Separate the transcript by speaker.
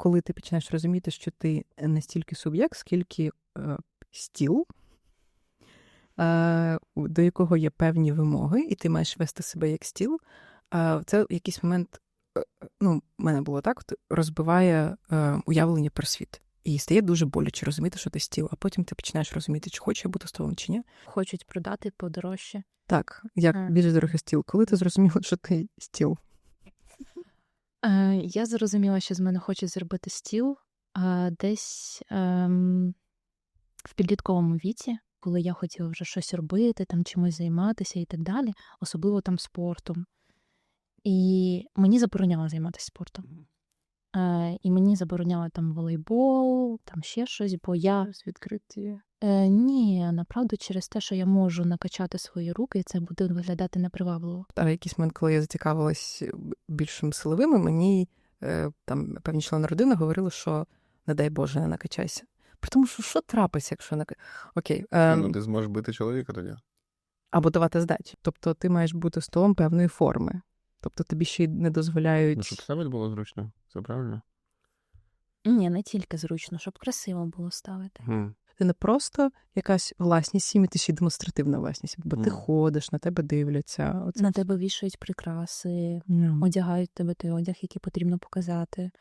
Speaker 1: коли ти починаєш розуміти, що ти не стільки суб'єкт, скільки стіл, до якого є певні вимоги, і ти маєш вести себе як стіл, це в якийсь момент, в мене було так, розбиває уявлення про світ. І стає дуже боляче розуміти, що ти стіл, а потім ти починаєш розуміти, чи хочу я бути столом, чи ні.
Speaker 2: Хочуть продати подорожче.
Speaker 1: Так, як більш дорогий стіл. Коли ти зрозуміла, що ти стіл?
Speaker 2: Я зрозуміла, що з мене хочуть зробити стіл десь в підлітковому віці, коли я хотіла вже щось робити, там чимось займатися і так далі, особливо там спортом. І мені забороняло займатися спортом. І мені забороняли там волейбол, там ще щось, бо я...
Speaker 1: Відкриті.
Speaker 2: Ні, направду через те, що я можу накачати свої руки, і це буде виглядати непривабливо.
Speaker 1: А в якийсь момент, коли я зацікавилась більшим силовими, мені там певні члени родини говорили, що не дай Боже, не накачайся. При тому, що трапиться, якщо Окей.
Speaker 3: Ти зможеш бити чоловіка тоді.
Speaker 1: Або давати здачі. Тобто ти маєш бути столом певної форми. Тобто тобі ще й не дозволяють...
Speaker 3: Щоб ставити було зручно, це правильно?
Speaker 2: Ні, не тільки зручно, щоб красиво було ставити.
Speaker 1: Ти не просто якась власність сім'ї, ти ще й демонстративна власність. Бо ти ходиш, на тебе дивляться.
Speaker 2: На тебе вішають прикраси, одягають тебе той одяг, який потрібно показати.